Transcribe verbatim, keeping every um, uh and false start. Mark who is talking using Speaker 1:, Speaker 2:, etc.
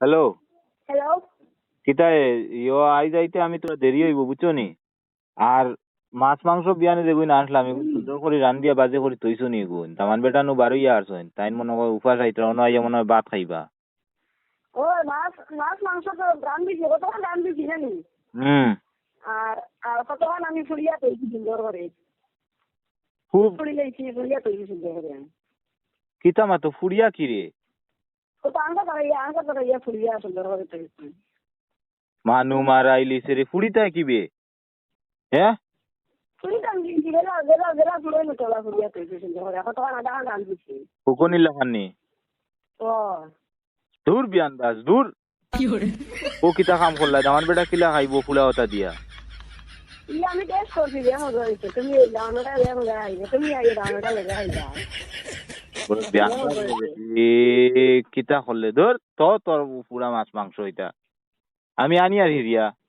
Speaker 1: hello
Speaker 2: hello
Speaker 1: কিতায় ইয়ো আই যাইতে আমি তোরা দেরি হইব বুঝছো নি আর মাছ মাংস বিয়ানে দেখুন আসলাম এগুলো সুন্দর করে রান্ধিয়া বাজে করে তৈছো নি গুণ তামান বেটা নু বারোইয়া আসছেন তাই মনে হয় উপাস আইতে অন্য আইয়া মনে হয় ভাত খাইবা
Speaker 2: ও মাছ মাছ মাংস তো রান্ধিছি কতক্ষণ রান্ধিছি জানি
Speaker 1: হুম
Speaker 2: আর আর কতক্ষণ আমি ফুলিয়া তৈরি সুন্দর করে
Speaker 1: খুব
Speaker 2: ফুলি লইছি ফুলিয়া তৈরি সুন্দর করে
Speaker 1: কিতা মাতো ফুরিয়া কি রে
Speaker 2: ও তো আঙ্কা তারাইয়া আঙ্কা তারাইয়া ফুলিয়া সুন্দর করে তৈরি
Speaker 1: মানু মারাইলি সেরে ফুড়িতায় কি বে হ্যাঁ
Speaker 2: ফুলি রান্ধিছি গেলা গেলা গেলা ফুলাই মতলা ফুলিয়া তৈরি সুন্দর করে কতক্ষণ আধা ঘন্টা রান্ধিছি
Speaker 1: হুকনি লাখানি
Speaker 2: ও
Speaker 1: দূর বিয়ান দাস দূর ও কিতা কাম করলা আমার বেটা কিলা খাইবো ফুলা হতা দিয়া
Speaker 2: ই আমি টেস্ট করছি যে মজা হয়েছে তুমি দাওয়ানোটা লে মজা খাইবে তুমি আগে দাওয়ানোটা লেগে খাইবা
Speaker 1: বিয়ান এ কিতা করলে ধর তো তোর পুরা মাছ মাংস এটা আমি আনি আর হিরিয়া